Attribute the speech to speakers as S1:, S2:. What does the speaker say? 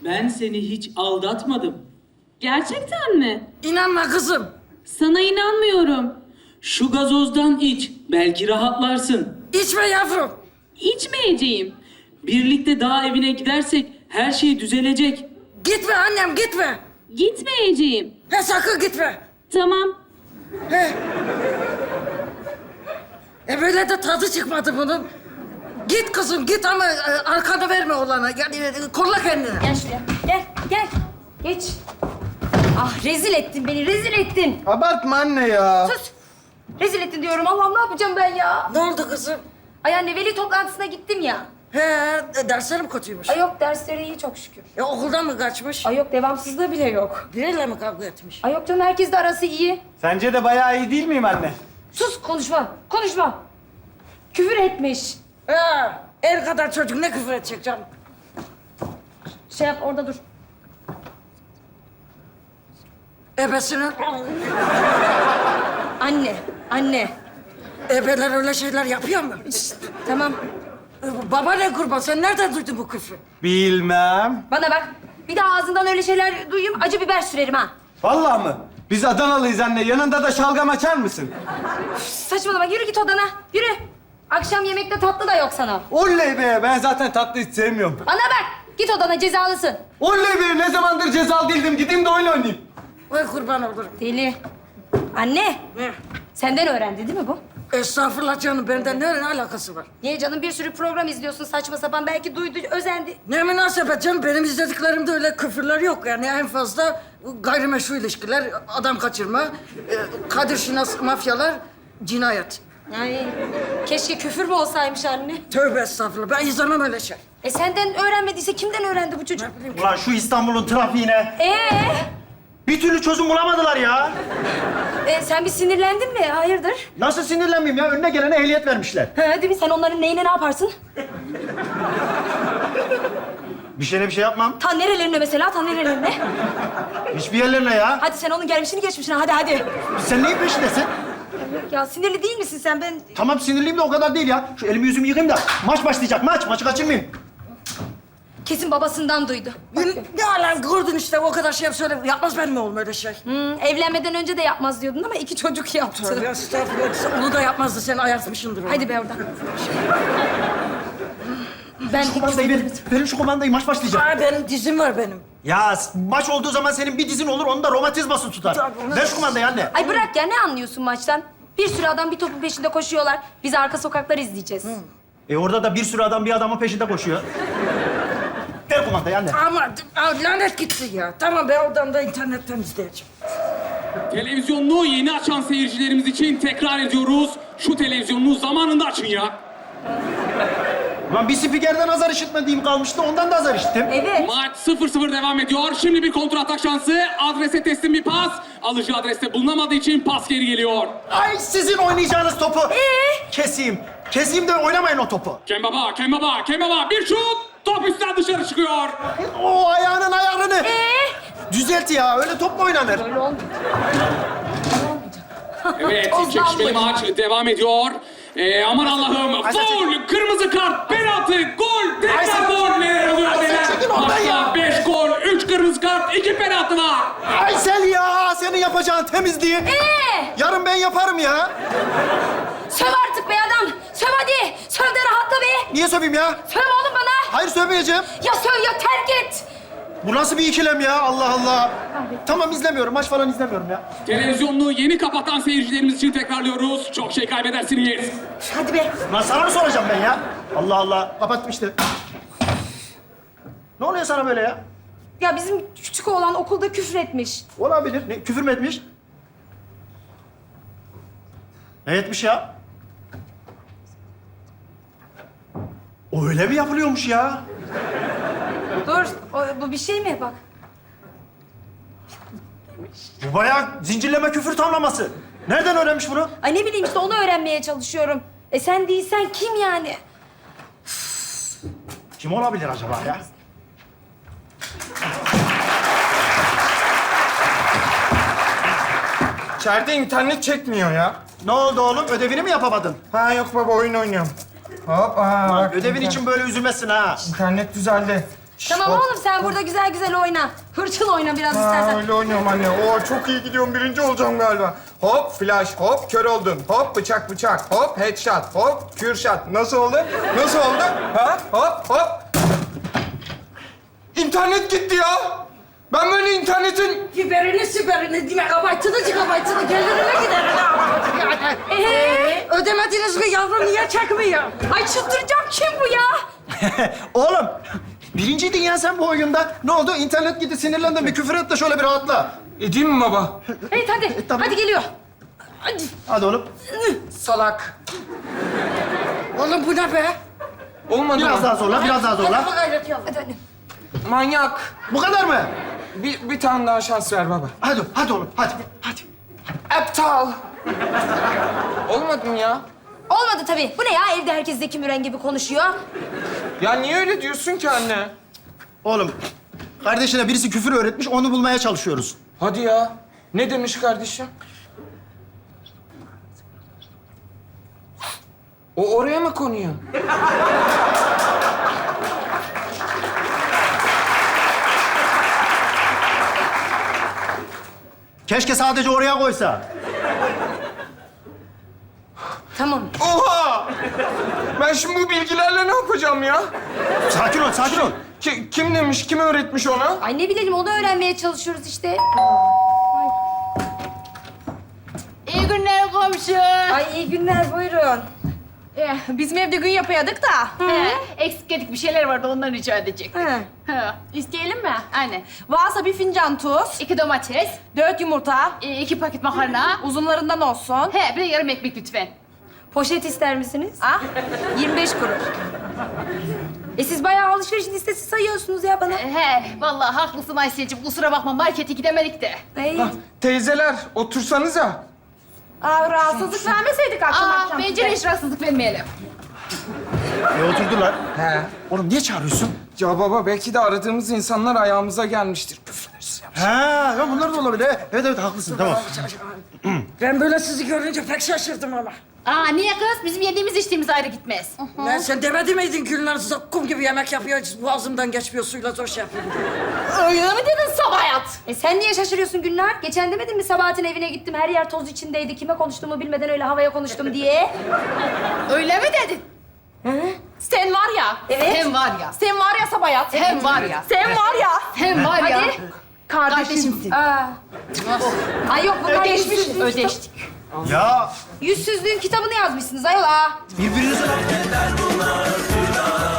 S1: Ben seni hiç aldatmadım.
S2: Gerçekten mi?
S3: İnanma kızım.
S2: Sana inanmıyorum.
S1: Şu gazozdan iç, belki rahatlarsın.
S3: İçme yavrum.
S2: İçmeyeceğim.
S1: Birlikte dağ evine gidersek her şey düzelecek.
S3: Gitme annem gitme.
S2: Gitmeyeceğim.
S3: He sakın gitme.
S2: Tamam.
S3: He. Böyle de tadı çıkmadı bunun. Git kızım git ama arkanı verme olana. Yani kolla kendini.
S4: Gel şuraya. Gel, gel. Geç. Ah rezil ettin beni, rezil ettin.
S5: Abartma anne ya.
S4: Sus. Rezil ettin diyorum. Allah'ım ne yapacağım ben ya?
S3: Ne oldu kızım?
S4: Ay anne veli toplantısına gittim ya.
S3: He derslerim kötüymüş.
S4: Ay yok dersleri iyi çok şükür.
S3: Okuldan mı kaçmış?
S4: Ay yok devamsızlığı bile yok.
S3: Biriyle mi kavga etmiş?
S4: Ay yok canım herkes de arası iyi.
S5: Sence de bayağı iyi değil miyim anne?
S4: Sus konuşma, konuşma. Küfür etmiş.
S3: He el kadar çocuk ne küfür edecek canım?
S4: Şey yap orada dur.
S3: Ebesinin...
S4: Anne, anne.
S3: Ebeler öyle şeyler yapıyor mu?
S4: Tamam.
S3: Baba ne kurban sen nereden duydun bu küfrü?
S5: Bilmem.
S4: Bana bak. Bir daha ağzından öyle şeyler duyayım acı biber sürerim ha.
S5: Vallahi mı? Biz Adanalıyız anne. Yanında da şalgam açar mısın?
S4: Saçmalama yürü git odana. Yürü. Akşam yemekte tatlı da yok sana.
S5: Oley be! Ben zaten tatlı hiç sevmiyorum.
S4: Bana bak. Git odana cezalısın.
S5: Oley be! Ne zamandır cezalı değildim. Gideyim de oyun oynayayım.
S3: Vay kurban olurum.
S4: Deli. Anne.
S3: Ne?
S4: Senden öğrendi değil mi bu?
S3: Estağfurullah canım benden ne alakası var?
S4: Niye canım bir sürü program izliyorsun saçma sapan. Belki duydu, özendi.
S3: Ne münasebet canım benim izlediklerimde öyle küfürler yok yani en fazla gayrimeşru ilişkiler, adam kaçırma, Kadir Şinas mafyalar, cinayet.
S4: Ay keşke küfür mü olsaymış anne.
S3: Tövbe estağfurullah ben izlemem öyle şey.
S4: Senden öğrenmediyse kimden öğrendi bu çocuk?
S6: Ulan şu İstanbul'un trafiğine bir türlü çözüm bulamadılar ya.
S4: Sen bir sinirlendin mi? Hayırdır?
S6: Nasıl sinirlenmeyeyim ya? Önüne gelene ehliyet vermişler.
S4: Ha, değil mi? Sen onların neyine ne yaparsın?
S6: Bir şeyine bir şey yapmam.
S4: Ta nerelerine mesela? Ta nerelerine?
S6: Hiçbir yerlerine ya.
S4: Hadi sen onun gelmişini geçmişine. Hadi.
S6: Sen neyin peşindesin?
S4: Ya sinirli değil misin sen? Ben...
S6: Tamam sinirliyim de o kadar değil ya. Şu elimi yüzümü yıkayayım da maç başlayacak. Maçı kaçırmayayım.
S4: Kesin babasından duydu.
S3: Ne alan gördün işte o kadar şey söyle. Yapmaz benim oğlum öyle şey.
S4: Evlenmeden önce de yapmaz diyordun ama 2 çocuk yaptı.
S3: Tövbe estağfurullah onu da yapmazdı sen ayartmışsındır onu.
S4: Hadi be oradan. Ben
S6: Şu kumandayı verin şu kumandayı maç başlayacak.
S3: Aa, benim dizim var benim.
S6: Ya maç olduğu zaman senin bir dizin olur, onun da romatizması tutar. Ver şu kumandayı anne.
S4: Ay bırak ya ne anlıyorsun maçtan? Bir sürü adam bir topun peşinde koşuyorlar. Biz arka sokakları izleyeceğiz.
S6: Orada da bir sürü adam bir adamın peşinde koşuyor. Ver kumandayı anne.
S3: Ama lanet gitti ya. Tamam ben oradan da internetten izleyeceğim.
S7: Televizyonunu yeni açan seyircilerimiz için tekrar ediyoruz. Şu televizyonunu zamanında açın ya.
S6: Ulan bir spikerden azar işitmediğim kalmıştı, ondan da azar işittim.
S4: Evet.
S7: Maç 0-0 devam ediyor. Şimdi bir kontratak şansı. Adrese teslim bir pas. Alıcı adreste bulunamadığı için pas geri geliyor.
S6: Ay sizin oynayacağınız topu. Keseyim. Keseyim de oynamayın o topu.
S7: Kembaba. Bir şut. Top üstten dışarı çıkıyor.
S6: O ayağının ayarını. Düzelt ya. Öyle top mu oynanır?
S4: Öyle olmuyor.
S7: Evet,
S4: Tozdan
S7: çekişmeli
S4: bu.
S7: maç devam ediyor. Aman Allah'ım. Faul, kırmızı kart, penaltı, gol, tekrar gol. Neler oluyor neler?
S6: çekil oradan ya.
S7: Maçta 5 gol, 3 kırmızı kart, 2 penaltı var.
S6: Aysel ya. Senin yapacağın temizliği. Yarın ben yaparım ya.
S4: Söv artık be adam. Söv hadi. Söv de rahatla be.
S6: Niye söveyim ya?
S4: Söv oğlum bana.
S6: Hayır sövmeyeceğim.
S4: Ya söv ya terk et.
S6: Bu nasıl bir ikilem ya? Allah Allah. Tamam izlemiyorum. Maç falan izlemiyorum ya.
S7: Televizyonunu yeni kapatan seyircilerimiz için tekrarlıyoruz. Çok şey kaybedersiniz.
S4: Hadi be.
S6: Lan sana mı soracağım ben ya? Allah Allah. Kapattım işte. Ne oluyor sana böyle ya?
S4: Ya bizim küçük oğlan okulda küfür etmiş.
S6: Olabilir. Ne, küfür mü etmiş? Ne etmiş ya? O öyle mi yapılıyormuş ya?
S4: Dur. Bu bir şey mi? Bak.
S6: Bu bayağı zincirleme küfür tamlaması. Nereden öğrenmiş bunu?
S4: Ay ne bileyim işte onu öğrenmeye çalışıyorum. Sen değilsen kim yani?
S6: Kim olabilir acaba ya?
S5: İçeride internet çekmiyor ya.
S6: Ne oldu oğlum? Ödevini mi yapamadın?
S5: Ha yok baba oyun oynuyorum. Hop
S6: Lan
S5: bak.
S6: ödevin için böyle üzülmezsin ha.
S5: İnternet düzeldi.
S4: Tamam oğlum sen burada güzel güzel oyna. Hırçın oyna biraz
S8: Ha,
S4: istersen.
S8: öyle oynuyorum anne. Oo, çok iyi gidiyorum. Birinci olacağım galiba. Hop flash, hop kör oldun. Hop bıçak bıçak, hop headshot, hop kürşat. Nasıl oldu? Nasıl oldu? Ha? Hop hop. İnternet gitti ya. Ben böyle internetin...
S3: Biberini süberini, gigabaytını gelirine giderim. Ödemediniz mi yavrum? Niye çekmiyor?
S4: Ay çıldıracağım kim bu ya?
S6: Oğlum, birinciydin ya sen bu oyunda. Ne oldu? İnternet gitti, sinirlendim. Bir küfür et de şöyle bir rahatla.
S8: Edeyim mi baba?
S4: Evet hadi.
S6: tamam.
S4: Hadi geliyor. Hadi.
S6: Hadi oğlum.
S8: Salak.
S3: Oğlum bu ne be?
S8: Olmadı
S6: Biraz
S8: mı?
S6: daha zorla, biraz daha zorla.
S3: Hadi gayret yavrum.
S4: Hadi hadi.
S8: Manyak.
S6: Bu kadar mı?
S8: Bir tane daha şans ver baba.
S6: Hadi oğlum, hadi. Hadi.
S8: Aptal. Olmadı mı ya?
S4: Olmadı tabii. Bu ne ya? Evde herkes Zeki Müren gibi konuşuyor.
S8: Ya niye öyle diyorsun ki anne?
S6: Oğlum, kardeşine birisi küfür öğretmiş, onu bulmaya çalışıyoruz.
S8: Hadi ya. Ne demiş kardeşim? O oraya mı konuyor?
S6: Keşke sadece oraya koysa.
S4: Tamam.
S8: Oha! Ben şimdi bu bilgilerle ne yapacağım ya?
S6: Sakin ol, sakin ol.
S8: Kim demiş, kim öğretmiş ona?
S4: Ay ne bilelim onu öğrenmeye çalışıyoruz işte.
S9: İyi günler komşu.
S4: Ay iyi günler buyurun.
S9: Bizim evde gün yapıyorduk da. Eksik edik bir şeyler vardı onları rica edecek.
S4: He.
S9: İsteyelim mi? Aynen.
S4: Varsa bir fincan tuz,
S9: 2 domates,
S4: 4 yumurta,
S9: 2 paket makarna.
S4: uzunlarından olsun.
S9: He, bir de yarım ekmek lütfen.
S4: Poşet ister misiniz? Ha? 25 kuruş. Siz bayağı alışveriş listesi sayıyorsunuz ya bana.
S9: Vallahi haklısın Aysel'cim. Kusura bakma markete gidemedik de.
S8: Teyzeler, otursanıza.
S4: Rahatsızlık vermeseydik akşam.
S9: Bence de hiç rahatsızlık vermeyelim.
S6: Oturdular.
S8: He.
S6: Oğlum niye çağırıyorsun?
S8: Ya baba, belki de aradığımız insanlar ayağımıza gelmiştir. Küfürleriz ya.
S6: Ha, ya bunlar da olabilir. Evet, haklısın, tamam.
S3: Ben böyle sizi görünce pek şaşırdım ama.
S9: Niye kız? Bizim yediğimiz içtiğimiz ayrı gitmez.
S3: Lan sen demedi miydin Gülnar zakkum gibi yemek yapıyor, boğazımdan geçmiyor, suyla zor şey yapıyor.
S9: Öyle mi dedin Sabayat?
S4: Sen niye şaşırıyorsun Gülnar? Geçen demedin mi Sabahat'in evine gittim, her yer toz içindeydi. Kime konuştuğumu bilmeden öyle havaya konuştum diye.
S9: Öyle mi dedin? Sen var ya.
S4: Evet.
S9: Sen var ya. Sen var ya Sabayat. Sen var ya.
S4: Sen var ya.
S9: Sen var ya.
S4: Hadi.
S9: Kardeşimsin.
S4: Ay yok bunlar
S9: Ödeştik. Ödeştik.
S6: Ya
S4: Yüzsüzlüğün kitabını yazmışsınız ayol ha.
S6: birbirinize...